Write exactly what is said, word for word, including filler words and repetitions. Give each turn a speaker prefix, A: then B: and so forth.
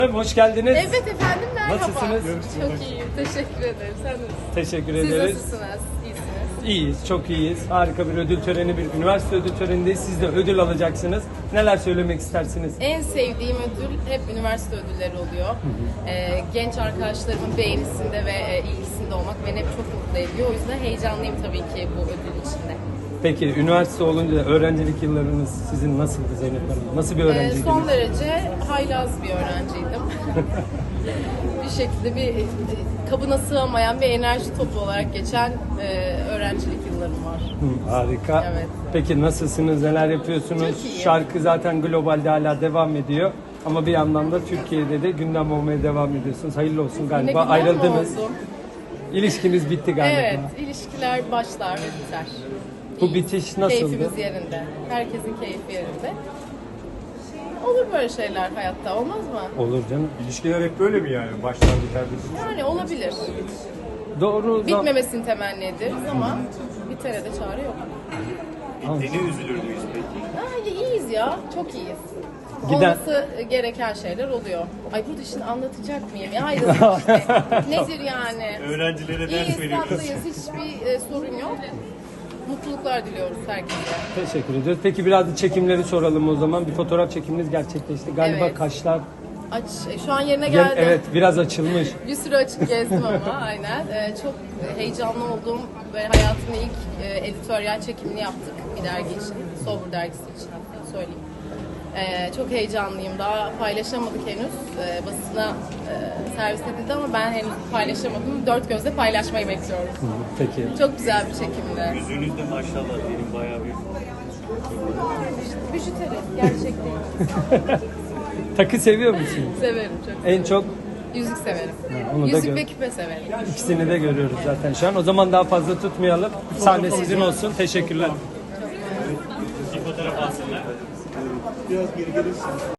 A: Hoş geldiniz.
B: Evet efendim, merhaba.
A: Nasılsınız?
B: Çok iyiyim, teşekkür ederim. Sen nasılsın?
A: Teşekkür
B: Siz
A: ederiz.
B: nasılsınız? İyisiniz.
A: İyiyiz, çok iyiyiz. Harika bir ödül töreni, bir üniversite ödül törenindeyiz. Siz de ödül alacaksınız. Neler söylemek istersiniz?
B: En sevdiğim ödül hep üniversite ödülleri oluyor. Ee, genç arkadaşlarımın beğenisinde ve e, ilgisinde olmak beni hep çok mutlu ediyor. O yüzden heyecanlıyım tabii ki bu ödül içinde.
A: Peki üniversite olunca öğrencilik yıllarınız sizin nasıldı Zeynep Hanım? Nasıl bir
B: Ee,
A: öğrenciydiniz?
B: son derece haylaz bir öğrenciydim. bir şekilde bir e, kabına sığamayan bir enerji topu olarak geçen e, öğrencilik yıllarım var.
A: Hı, harika.
B: Evet.
A: Peki nasılsınız? Neler yapıyorsunuz?
B: Çok iyi.
A: Şarkı zaten globalde hala devam ediyor. Ama bir yandan da Türkiye'de de gündem olmaya devam ediyorsunuz. Hayırlı olsun galiba.
B: Yine gündem mi
A: Ayrıldınız.
B: oldu?
A: İlişkiniz bitti galiba.
B: Evet, ilişkiler başlar ve biter.
A: Bu
B: İyi.
A: bitiş nasıldı?
B: Keyfimiz yerinde. Herkesin keyfi yerinde. Olur böyle şeyler hayatta, olmaz mı?
A: Olur canım.
C: İlişkiler hep böyle mi yani? Başlar biter bir.
B: Yani olabilir.
A: Doğru.
B: Bitmemesini temenni ederiz ama bitere de çare yok.
C: Bittiğine üzülür müyüz peki?
B: Ha, iyiyiz ya, çok iyiyiz.
A: Giden-
B: Olması gereken şeyler oluyor. Ay bu işini anlatacak mıyım? Ya ayrılık işte. Nedir yani?
C: Öğrencilere ders
B: İyiyiz,
C: veriyoruz.
B: tatlıyız, hiçbir e, sorun yok. Mutluluklar diliyoruz herkese.
A: Teşekkür ediyoruz. Peki biraz da çekimleri soralım o zaman. Bir fotoğraf çekiminiz gerçekleşti. Galiba
B: Evet.
A: kaşlar
B: Aç, e, şu an yerine
A: Gel-
B: geldi.
A: evet biraz açılmış.
B: Bir sürü açık gezdim ama aynen. Ee, çok heyecanlı olduğum ve hayatımın ilk e, editoryal çekimini yaptık bir dergi için. Sober dergisi için hatta söyleyeyim. Ee, çok heyecanlıyım. Daha paylaşamadık henüz. Ee, basına e, servis edildi ama ben henüz paylaşamadım. Dört gözle paylaşmayı bekliyorum.
A: Peki.
B: Çok güzel bir çekimdi.
C: Yüzünüzde maşallah benim bayağı bir...
B: Bijuteri gerçekten.
A: Takı seviyor musun?
B: Severim çok.
A: En çok
B: Yüzük severim.
A: onu da
B: Yüzük
A: gör-
B: ve küpe severim.
A: ikisini de görüyoruz zaten şu an. O zaman daha fazla tutmayalım. Sahne sizin olsun. Teşekkürler.
C: Bir fotoğraf alsınlar.
D: Biraz geri gelirsin.